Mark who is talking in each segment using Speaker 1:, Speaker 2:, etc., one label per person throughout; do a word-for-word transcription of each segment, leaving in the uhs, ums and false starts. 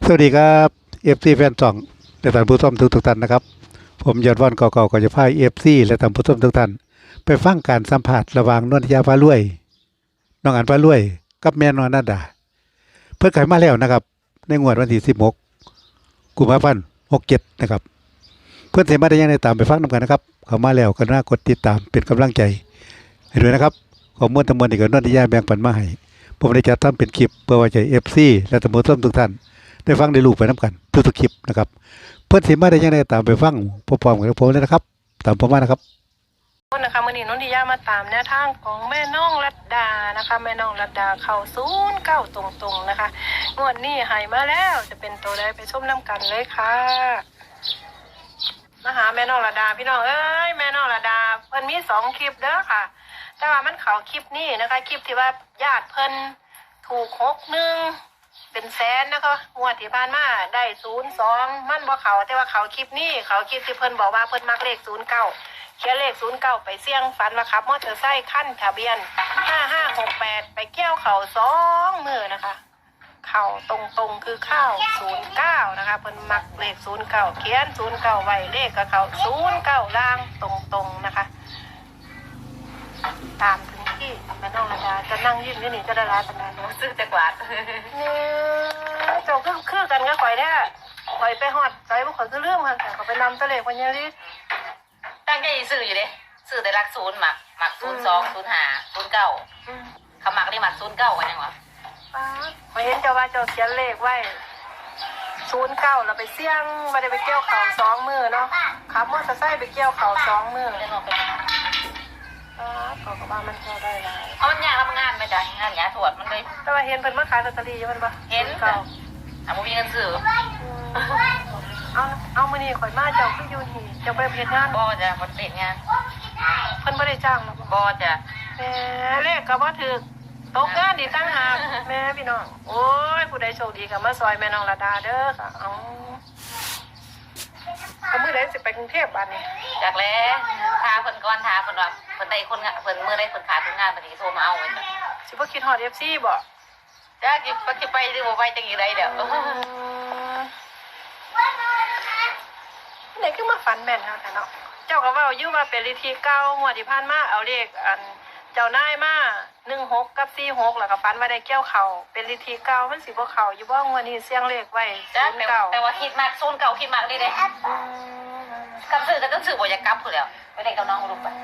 Speaker 1: สวัสดีครับเอฟซีแฟนสองและท่านผู้ชมทุกทุกท่านนะครับผมยอดวันเก่าๆก็จะพาเอฟซีและท่านผู้ชมทุกท่านไปฟังการสัมผัสระหว่างนวลยาฟ้าลุยน้องอันฟ้าลุยกับแม่นอนนาดาเพื่อขายมาแล้วนะครับในงวดวันที่สิบหกกุมภาพันธ์หกเจ็ดนะครับเพื่อนเสมาได้ยังได้ตามไปฟังนำกันนะครับเข้ามาแล้วก็น่ากดติดตามเป็นกำลังใจให้ด้วยนะครับขอมวลทั้งมวลที่กับนวลยาแบ่งปันมาให้ผมได้จัดทำเป็นคลิปเพื่อไว้ใจเอฟซีและท่านผู้ชมทุกท่านได้ฟังได้รู้ไปน้ำกันทุกๆคลิปนะครับเพื่อนสิมาได้ยังไงตามไปฟังพร้อมๆกับผมเลยนะครับตามผมมานะครับ
Speaker 2: คนนะคะมื่อนี้น้องดิยามาตามแนวทางของแม่น้องรัตดานะคะแม่น้องรัตดาเข้าศูนย์เก้าตรงๆนะคะงวดนี้หายมาแล้วจะเป็นตัวใดไปชมน้ำกันเลยค่ะมาหาแม่น้องรัตดาพี่น้องเอ้ยแม่น้องรัตดาเพิ่นมีสองคลิปเด้อค่ะแต่ว่ามันเขาคลิปนี้นะคะคลิปที่ว่าญาติเพิ่นถูกหกหนึ่งเป็นแสนนะคะงวดที่ผ่านมาได้ศูนย์สองมันบ่เขาแต่ว่าเขาคลิปนี้เขาคลิปที่เพิ่นบอกว่าเพิ่นมักเลขศูนย์เก้าเขียนเลขศูนย์เก้าไปเสี่ยงฝันว่าขับมอเตอร์ไซค์ขั้นทะเบียนห้าห้าหกแปดไปเกี่ยวเข่าสองมือนะคะเข่าตรงตรงคือข้าวศูนย์เก้านะคะเพิ่นมักเลขศูนย์เก้าเขียนศูนย์เก้าไว้เลขกับเขาศูนย์เก้าล่างตรงตรงนะคะ ตามถึงที่แม่น้องระดาจะนั่งยิ้มอยู่นี่จะได้ร้ายปันใดเนาะซื้อแต่กวาดเนี่ยเจ้าคือคือกันก็ข่อยแท้ข่อยไปฮอดใจบ่ข่อยคือเรื่องมันแต่ก็ไปนำตะเลขวันนี้ลิ
Speaker 3: ตั้งใจซื้ออยู่เด้ซื้อแต่รักศูนย์หมักหมักศูนย์สองศูนย์ห้าศูนย์เก้าเขาหมักได้หมักศูนย์เก้ากันยังวะ
Speaker 2: ข่อยเห็นเจ้าว่าเจ้าเขียนเลขไว้ศูนย์เก้าแล้วไปเสี่ยงบ่ได้ไปเกี่ยวเขาสองมือเนาะขับมอเตอร์ไซค์ไปเกี่ยวเขาสองมือ
Speaker 3: ได้ลองไป
Speaker 2: อ๋อเขาก็ว่ามันพอได้หลาย
Speaker 3: เอามันยากแล้วมันงานไปจ้ะงานยาถวดมันเลย
Speaker 2: แต่ว่าเห็นเพิ่นมาขายลอตเตอรี่อยู่มันบ่
Speaker 3: เห็นค่ะอ่ะบ่มีเงินซื้อ
Speaker 2: เอาเอามื้อนี้ข่อยมาเจ้าคืออยู่นี่เจ้าไปเฮ็ดงาน
Speaker 3: บ่จ้ะบ่ติดงาน
Speaker 2: เพิ่นบ่ได้จ้างหรอก
Speaker 3: บ่จ้ะ
Speaker 2: แม่เลขก็บ่ถูกตกงานดีตั้งหากแม่พี่น้องโอ้ยผู้ใดโชคดีก็มาซอยแม่น้องระดาเด้อค่ะเอาเอามื้อใดสิไปกรุงเทพบัดนี้
Speaker 3: จากแล้วทาเพิ่นก่อนทาเพิ่นว่าเพิ่นได้คนงานเพิ่นมื้อได้เพิ่นขาดทุนงานบัดนี้โทรมาเอาไว้
Speaker 2: สิบ่คิดฮอด เอฟ ซี บ่
Speaker 3: จ้ะสิไปสิไปหรือบ่ไปจังอีไดเด้อ
Speaker 2: ไหนคือมาฝันแม่นเฮาแต่เนาะเจ้าก็เว้าอยู่ว่าเป็นฤทธิ์เก่างวดที่ผ่านมาเอาเลขอันเจ้านายมาหนึ่งหกกับสี่หกแล้วก็ฝันว่าได้เกี่ยวเขาเป็นฤทธิ์เก่ามันสิบ่เข้าอยู่บ่งวดนี้เสียงเลขไว้
Speaker 3: จ้ะแต่แต่ว่าคิดมากศูนย์เก้าคิดมากเลยเด้กับซื้อก็ต้องซื้อบ่อยากกลับพุ่นแล้วไปได้กับน้องลูกไป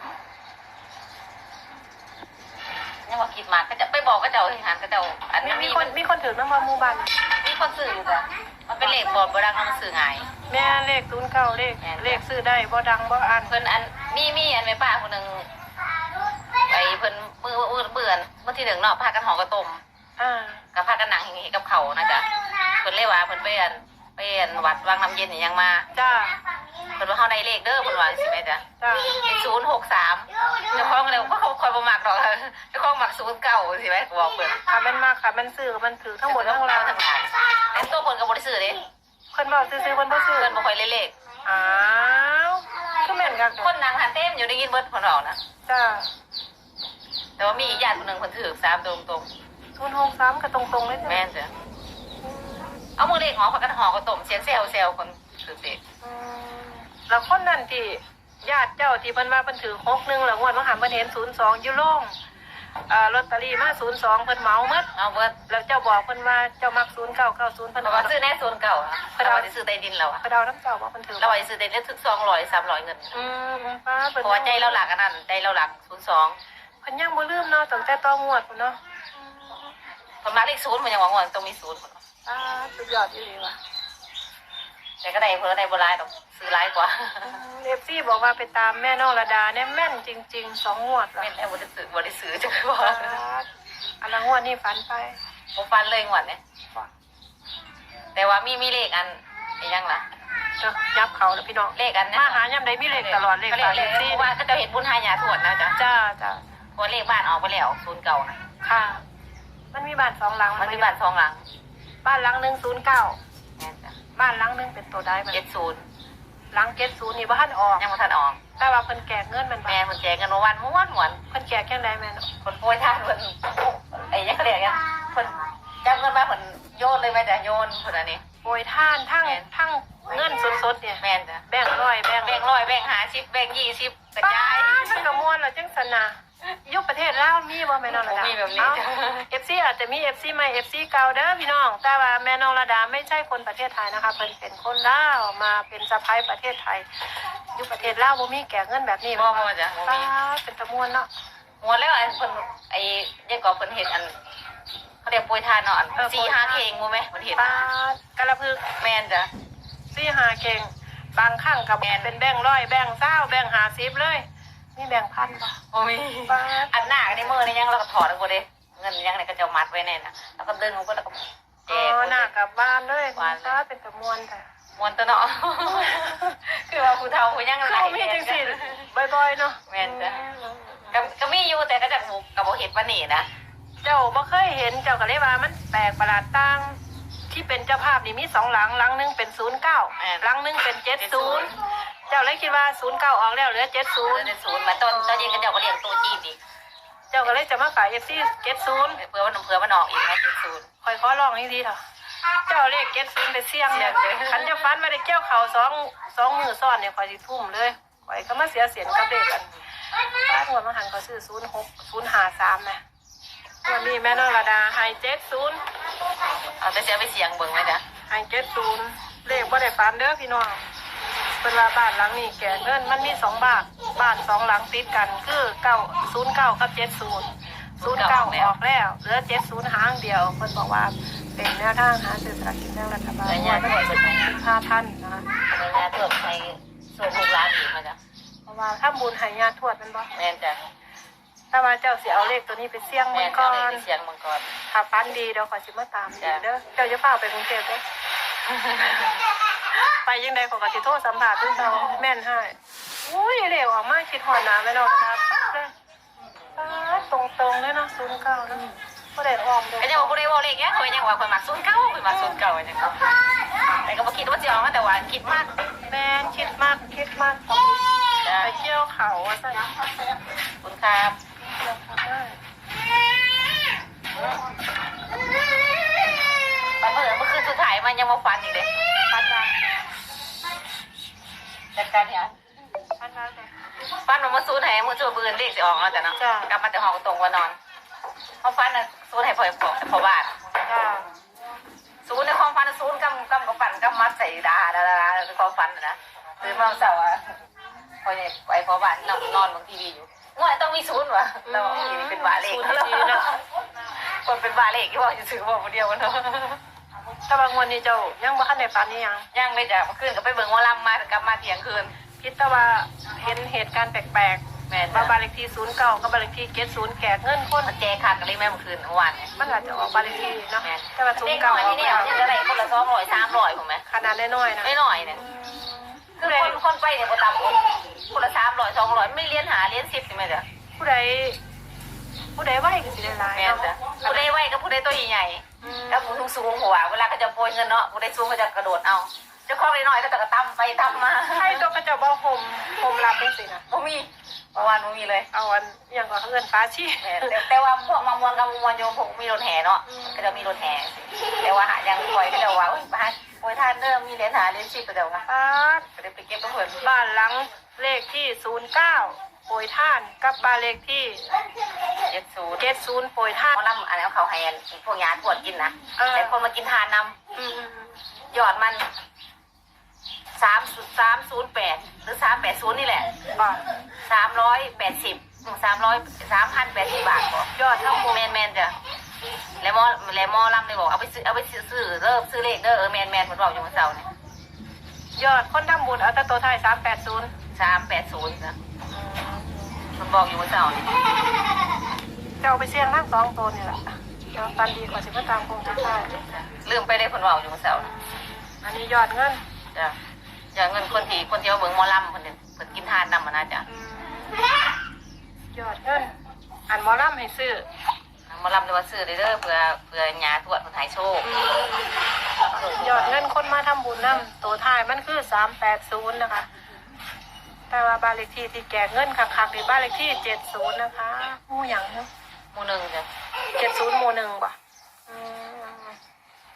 Speaker 3: ยังว่าคิดมากก็จะไปบอกก็เจ้าที่หันก็เจ้าอันนี้
Speaker 2: มีคนมีคนถือนำหมู่บ้าน
Speaker 3: มีคนซื้ออยู่จ้ะมันเป็นเลขบ่บ่ดังมันซื้อง่าย
Speaker 2: แม่เลขศูนย์เก้าเลขเลขซื้อได้บ่ดังบ่อ่าน
Speaker 3: เพิ่นอันมีมีอันแม่ป้าคนนึงไอ้เพิ่นมื้อมื้อเบื่อมื้อที่หนึ่งเนาะพากันหอกระต้ม
Speaker 2: อ่า
Speaker 3: ก็พากันนั่งอย่างงี้กับเขานะจ๊ะเพิ่นเลยว่าเพิ่นไปอันไปอันวัดวังน้ำเย็นนี่ยังมา
Speaker 2: จ้า
Speaker 3: เพิ่นว่าเฮาได้เลขเด้อเพิ่นว่าสิแม่จ้ะ
Speaker 2: จ้า
Speaker 3: ศูนย์หกสามเจ้าของเลยว่าเขาคอยบ่มักดอกเจ้าของมักศูนย์เก้าสิแม่ก็บอกเพิ่น
Speaker 2: ค่ะมันมาค่ะมันซื้อมันถือทั้งหมดทั้งราว
Speaker 3: ทั้งหลายแต่ตัวเพิ่นก็บ่ได้ซื้อเด้
Speaker 2: เพิ่นบอกซื้อๆเพิ่นบ่ซื้อ
Speaker 3: เพิ่นบ่ค่อยเลข
Speaker 2: อ้าวคือแม่นกัน
Speaker 3: คนนั่งหันเต็มอยู่ได้ยินเบิดเพิ่นเว้านะ
Speaker 2: จ้า
Speaker 3: แต่ว่ามีอีกญาติคนนึงเพิ่นถือสามตรง
Speaker 2: ๆศูนย์หกสามก็ตรงๆเลย
Speaker 3: แม่นจ้ะเอามือเลขหอพักกันหอกระต้มเสียงแซวแซวคนถือเด็ก
Speaker 2: แล้วคนนั้นที่ญาติเจ้าที่เพิ่นว่าเพิ่นถือหกหนึ่งแล้วงวดว่าหามเพิ่นเห็นศูนย์สองอยู่โล่งอ่าลอตเตอรี่มาศูนย์สองเพิ่นเหมาหมด
Speaker 3: เอาเบิด
Speaker 2: แล้วเจ้าบอกเพิ่นว่าเจ้ามักศูนย์เก้าเก้าศูนย์เพิ่น
Speaker 3: ว่าซื้อแน่ศูนย์เก่าเพิ่นว่าสิซื้อใต้ดินแล้ว
Speaker 2: เพิ่นเอาน้ำเจ้าว่าเพิ่นถือ
Speaker 3: เราว่าสิซื้อใต้ดินถึงสองร้อยสามร้อยเงิน
Speaker 2: อืมป้าเพิ่น
Speaker 3: เพราะว่าใจเราหลักอันนั้นใจเราหลักศูนย์สอง
Speaker 2: เพิ่นยังบ่ลืมเนาะตั้งแต่ต่องวดพุ่นเนาะ
Speaker 3: เพิ่นมาเลขศูนย์มันยังว่าต้องมีศูนย์
Speaker 2: อ่าสุดยอดอีหลีว่ะ
Speaker 3: แต่ก็ได้เพิ่นได้บ่หลายดอกซื้อหลายกว่า
Speaker 2: เอฟซีบอกว่าไปตามแม่น้องระดาเนี่ยแม่นจริงๆสองงวดแล้ว
Speaker 3: แม่นแล้วบ่ได้ซื้อบ่ได้ซื้อจังว่า
Speaker 2: อันละงวดนี่ฝันไป
Speaker 3: บ่ฟันเลยงวดนี้แต่ว่ามีมีเลขอันอีหยังล่ะ
Speaker 2: ยับเขาแล้วพี่น้อง
Speaker 3: เลขอัน
Speaker 2: มาหายามใดมีเลขตลอดเลข
Speaker 3: เลขที่ว่าเขาจะเห็นบุญหายาทวดนะจ๊ะ
Speaker 2: จ้าจ้า
Speaker 3: เพราะเลขบ้านออกไปแล้วศูนย์เก่านะ
Speaker 2: ค่ะมันมีบ้านสองหลัง
Speaker 3: มันมีบ้านสองหลัง
Speaker 2: บ้านหลังหนึ่งศูนย์เก้าบ้านหลังหนึ่งเป็นตัวได้มัน
Speaker 3: เจ็ดศูนย์
Speaker 2: หลังเจ็ดศูนย์นี่บ้านออก
Speaker 3: ยังไม่ทันออก
Speaker 2: แต่ว่าเพิ่นแก่เงินมัน
Speaker 3: แม่เพิ่นแก่เงินวันม้วนม้วน
Speaker 2: เพิ่นแก่แค่ไหนแม่
Speaker 3: คนป่วยท่านเพิ่นไอ้ยังเขาเรียกยังเพิ่นจับเงินมาเพิ่นโยนเลยไหมจ้ะโยนคนอันนี้
Speaker 2: โปรยท่านทั้งทั้งเงินสดๆเนี่ย
Speaker 3: แม่นจ้ะ
Speaker 2: แบ่งร้อยแบ่ง
Speaker 3: แบ่งร้อยแบ่งห้าสิบแบ่งยี่สิบกระ
Speaker 2: ป้า
Speaker 3: จาย
Speaker 2: มันกระมวลเหรอจังสนะยุคประเทศลาวมีบ่แม่น้องระดา
Speaker 3: มีแบบนี้จ้ะ
Speaker 2: เอฟซีอาจจะมีเอฟซีใหม่เอฟซีเก่าเด้อพี่น้องแต่ว่าแม่น้องระดาไม่ใช่คนประเทศไทยนะคะเพิ่นเป็นคนลาวมาเป็นสะพ้ายประเทศไทยยุคประเทศลาวบ่มีแก่เงินแบบนี้
Speaker 3: บ่บ่จ้ะบ่
Speaker 2: ป้า
Speaker 3: มี
Speaker 2: เป็นตะมวนเนาะ
Speaker 3: หมดแล้วอันเพิ่นไอ้ยังก็เพิ่นเห็นอันเขาเรียกโปรยทานเนาะอันสี่ห้าเพลงมั้ยเพิ่นเห็น
Speaker 2: ป้ากระพึก
Speaker 3: แม่นจ้ะ
Speaker 2: ซี่หาเก่งบางครั้งกับเป็นแบ่งร้อยแบ่งเศร้าแบ่งหาสิบเลยมีแบ่งพันป่ะ
Speaker 3: บ่มีอันหน้าในมือนี่ยังเราก็ถอดออกบ่ได้เงินยังในกระเจ้ามัดไว้แน่น่ะแล้วก็ดึงออกก็แล้วก็แจ
Speaker 2: อ๋
Speaker 3: ก
Speaker 2: อหน้ากลับบ้านเลยป้าเป็นตะมวนแต่
Speaker 3: มวนตัวเนาะ คือว่าผู้เฒ่าผู้ยัง
Speaker 2: คือมีจังสิบ่อยๆเนาะ
Speaker 3: แม่นจ้ะก็ก็มีอยู่แต่ก็จะบ่ก็บ่เฮ็ดปานนี้นะ
Speaker 2: เจ้าบ่เคยเห็นเจ้าก็เลยว่ามันแปลกประหลาดต่างที่เป็นเจ้าภาพนี่มีสองหลังหลังหนึงเป็นศูนย์เก้าหลังหนึงเป็นเจ็ดศูนย์เจ้าเลยคิดว่าศูนย์เก้าออกแล้วเหลือเจ็ดศูนย์
Speaker 3: เดือนศูนย์มาต้นตอนเย็นก็เจ้าก็เลี้ยงตู้จีนอีก
Speaker 2: เจ้าก็เลยจะมาขายเอฟซีเจ็ดศูนย์
Speaker 3: เพื่อว่าน้ำเพื่อมันออกอีกนะจีนศูนย์
Speaker 2: คอยขอลองนี่ดีเถอะเจ้าเลขเจ็ดศูนย์ไปเสี่ยงเนี่ยขันจะฟันมาได้เกี่ยวเข่าสองสองมือซ้อนเนี่ยคอยสิทุ่มเลยคอยก็มาเสียเสียนกับเด็กกันป้าหัวมาหันก็ซื้อศูนย์หกศูนย์ห้าสามนะวันนี้แม่นรดาไฮเจ็ดศูนย์
Speaker 3: เอาแต่เสียไปเสียงเบิ่งไหมจ๊ะ
Speaker 2: ไฮเจ็ดศูนย์เลขบ่ได้ฟันเด้อพี่น้องเป็นว่าบ้านหลังนี้แก่เงินมันมีสองบ้านบ้านสองหลังติดกันคือเก้าศูนย์เก้ากับเจ็ดศูนย์ศูนย์เก้าออกแล้วเหลือเจ็ดศูนย์หางเดียวเพิ่นบอกว่าเป็นแนวทางหาซื้อสลากกินแบ่งรัฐบาล
Speaker 3: เงิน
Speaker 2: ง
Speaker 3: ยาว
Speaker 2: ด
Speaker 3: ถว
Speaker 2: วัน
Speaker 3: ย
Speaker 2: ที่
Speaker 3: เบิ่งไหม
Speaker 2: สิบห้าท่านนะคะ
Speaker 3: เงินยาถวดในส่วนหกล้านอีกมาจ๊ะ
Speaker 2: เพราะว่าถ้าบุญใหายาทวดแมันบ่
Speaker 3: แม่นจ้ะ
Speaker 2: ถ้าว่าเจ้าสิเอาเลขตัวนี้ไปเสี่ยง
Speaker 3: แม่
Speaker 2: มัน
Speaker 3: น
Speaker 2: ก่
Speaker 3: เอา
Speaker 2: อ
Speaker 3: เลย
Speaker 2: น
Speaker 3: ไปเสียงมังกร
Speaker 2: ถ้าฟันดีเดี๋ยวขอยสิมาตามดีเด้อเจ้าจะเฝ้าไปกรุงเทพเด้อ ไปยังไดขอยก็สิโทรสัมภาษณ์เพิ่นเจ้าแม่นให้อุ้ยเร็วออกมาคิดฮอดหน้าแม่น้องครับเลยป๊าดตรงๆเลยเนาะศูนย์เก้าเนาะบ่ได้อ้อมเด้
Speaker 3: ไอ้เจ้าบ่ได้บอกเลขเงี้ยเคยยังว่าคนมักศูนย์เก้าคนมักศูนย์เก้าจังแต่ก็บ่คิดว่าสิออกมาแต่ว่าคิดมาก
Speaker 2: แม่นคิดมากคิดมาก
Speaker 3: จ้ะ
Speaker 2: ไปเที่ยวเขาว่าซั่น
Speaker 3: คุณครับ
Speaker 2: เที่ยวเขาได้
Speaker 3: ปันเมื่อเมื่อคืนสุดท้ายมันยังมาฟันอีกเลย
Speaker 2: ฟันว่า
Speaker 3: จัดการเนี่ย
Speaker 2: ฟันว่าแต่
Speaker 3: ฟันมันมาซูนให้มือจูบืนเลขสิออกแล้วจ้ะเนาะ
Speaker 2: จ้ะ
Speaker 3: กลับมาแต่ห้องตรงว่านอนเขาฟันน่ะซูนให้พ่อพ่อพ่อบ้าน
Speaker 2: จ้า
Speaker 3: ซูนในความฟันซูนกำกำกับฟันกำมัดใส่ดาดาดาดาในความฟันนะตื่นมาเสาร์อ่ะพอเนี่ยไปพ่อบ้านนอนนอนบางทีวีอยู่ง่วยต้องมีซูนวะแล้วอีนี่เป็นบาเลขคนเป็นบาเลขที่ว่าจะซื้อบอกคนเดียวกันเนาะ
Speaker 2: แต่บางวันนี้เจ้ายังบ่ทันได้ฟันนี่ยัง
Speaker 3: ย่างเลยจ้ะเมื่อคืนก็ไปเบิ่งว่าลำมากลับมาเที่ยงคืน
Speaker 2: คิดแต่ว่าเห็นเหตุการณ์แปลก
Speaker 3: แม่
Speaker 2: ๆ
Speaker 3: จ้ะ
Speaker 2: ว่าบ้านเลขที่ศูนย์เก้ากับบ้านเลขที่เจ็ดศูนย์แก่เงินคน
Speaker 3: มันแจขาดกันเลยแม่เมื่อคืนเมื่อวานเนี่ย
Speaker 2: มันอาจจะออกบ้านเลขที่เนาะ
Speaker 3: แม่
Speaker 2: แต่ว่าศูน
Speaker 3: เด็ก
Speaker 2: ย์
Speaker 3: หน่
Speaker 2: เก้า
Speaker 3: อย
Speaker 2: ออ
Speaker 3: นี่
Speaker 2: ก
Speaker 3: เนี่ย
Speaker 2: แล้ว
Speaker 3: จะได้คนละสองร้อยสามร้อยผมไหม
Speaker 2: ขนาดน้อยๆนะ
Speaker 3: ไม่หน่อยเนี่ยคือคนคนไปเนี่ยคนต่ำคนคนละสามร้อยสองร้อยไม่เลี้ยนหาเลี้ยนสิบใช่ไหมจ๊ะ
Speaker 2: ผู้ใดผู้ใดไหวก็สิได้หลาย
Speaker 3: แม่
Speaker 2: เนาะ
Speaker 3: จ้ะผู้ใดไหวกับผู้ใดตัวใหญ่
Speaker 2: อืม
Speaker 3: ๆแล้วผู้สูงสูงหัวเวลาเขาจะโปรยเงินเนาะผู้ใดสูงก็จะกระโดดเอาเจ้าของน้อยๆก็จะกระตำไปตำมา
Speaker 2: ใครตัวกระเจ้าบ่ห่มห่มรับจังซี่นะ
Speaker 3: บ่มีเมื่อวานบ่มีเลย
Speaker 2: เอาอันอหยังก็เอิ้นฟ้าชี
Speaker 3: แม่แต่แต่ว่าพวกมามวนกับมวนโยมผมมีรถแห่เนาะก็จะมีรถแห่แต่ว่าหายังปล่อยก็จะว่าโอ้ยบ้านโอ้ยท่านเริ่มมีเหรียญหาเหรียญสิบก็จะว่า
Speaker 2: ป๊าด
Speaker 3: ก็ได้ไปเก็บกับเพิ่น
Speaker 2: บ้านหลังเลขที่ศูนย์เก้าโปรยท่านกับบ้านเลขที่
Speaker 3: เจ็ดศูนย์
Speaker 2: เจ็ดศูนย์โปรยท่าน
Speaker 3: เขาลำอันนั้นเขาให้พวกยาทวดกินนะ
Speaker 2: เออ
Speaker 3: แต่คนมากินทานน
Speaker 2: อืม
Speaker 3: ำยอดมันสามสามศูนย์แปดหรือสามแปดศูนย์นี่แหละ
Speaker 2: ๆบ่
Speaker 3: สามร้อยแปดสิบสามร้อยสามพันแปดสิบบาทก่อน
Speaker 2: ยอดทั้งหมด
Speaker 3: แมนแมนจ้ะแล้วมอแล้วมอลำเลยบอกเอาไปซื้อเอาไปซื้อซื้อเริ่มซื้อเลขเด้อเออแมนแมนเหมือนบอกอยู่เมื่อเช้าเนี่ย
Speaker 2: ยอดคนทำบุญเอาแต่ตัวไทยสามแปดศูนย์
Speaker 3: สามแปดศูนย์จ้ะมันบอกอยู่เมื่อเช้าเนี่ย
Speaker 2: จะเอาไปเสี่ยงทั้งสองตัวนี่แหละเดี๋ยวตันดีกว่าสิมาตามคงจะได้
Speaker 3: ลืมไปเลยคนบอกอยู่เมื่อเช้าเนี่ย
Speaker 2: อันนี้ยอดเงิน
Speaker 3: จ้ะจะเงินคนที่คนที่เอาเบิ่งหมอลำคนหนึ่งคนกินทานนำมานะจ้ะ
Speaker 2: อืมยอดเงินอันหมอลำให้ซื้อ
Speaker 3: หมอลำเลยว่าซื้อเลยเด้อเพื่อเพื่อญาทวดคนหายโชค
Speaker 2: ยอดเงินคนมาทำบุญนำตัวไทายมันคือสามแปดศูนย์นะคะ แต่ว่าบ้านเลขที่ที่แก่เงินคักๆในบ้านเลขที่เจ็ดศูนย์นะคะหมู่หยังเนาะ
Speaker 3: หมู่หนึ่งจ้ะ
Speaker 2: เจ็ดศูนย์หมู่หนึ่งป่ะอืม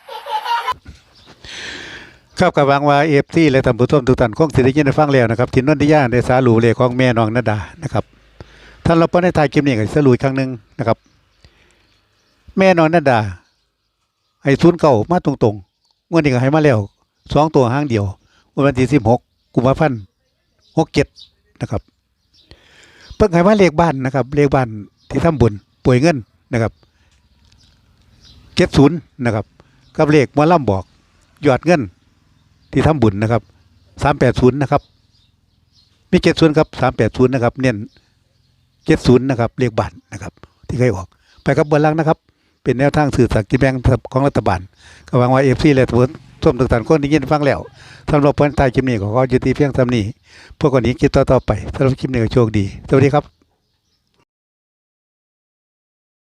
Speaker 1: ครับกับหวังว่าเอฟซีและท่านผู้ชมทุกท่านคงสิได้ยินได้ฟังแล้วนะครับที่นนทิยาได้สารุเลขของแม่น้องนาดานะครับท่านเราไปในท้ายคลิปนี้ก็สรุปอีกครั้งหนึงนะครับ แม่น้องนาดาให้ศูนย์เก่ามาตรงๆงวดนี้ก็ให้มาแล้วสองตัวห้างเดียววันที่สิบหกกุมภาพันธ์หกเจ็ดนะครับเพิ่งให้มาเลขบ้านนะครับเลขบ้านที่ทำบุญป่วยเงินนะครับเจ็ดศูนย์นะครับกับเลขหมอลำบอกยอดเงินที่ทำบุญนะครับสามแปดศูนย์นะครับมีเจ็ดศูนย์ครับสามแปดศูนย์นะครับเน้นเจ็ดศูนย์นะครับเลขบ้านนะครับที่เคยออกไปกับบนล่างนะครับเป็นแนวทางสื่อสารกินแบ่งของรัฐบาลก็หวังว่าเอฟซีและทุกท่านทุกท่านคนที่ยินฟังแล้วสำหรับเพื่อนใต้คลิปนี้ก็ขอยุติเพียงเท่านี้พวกคนนี้คลิปต่อๆไปสำหรับคลิปนี้ก็โชคดีสวัสดีครับ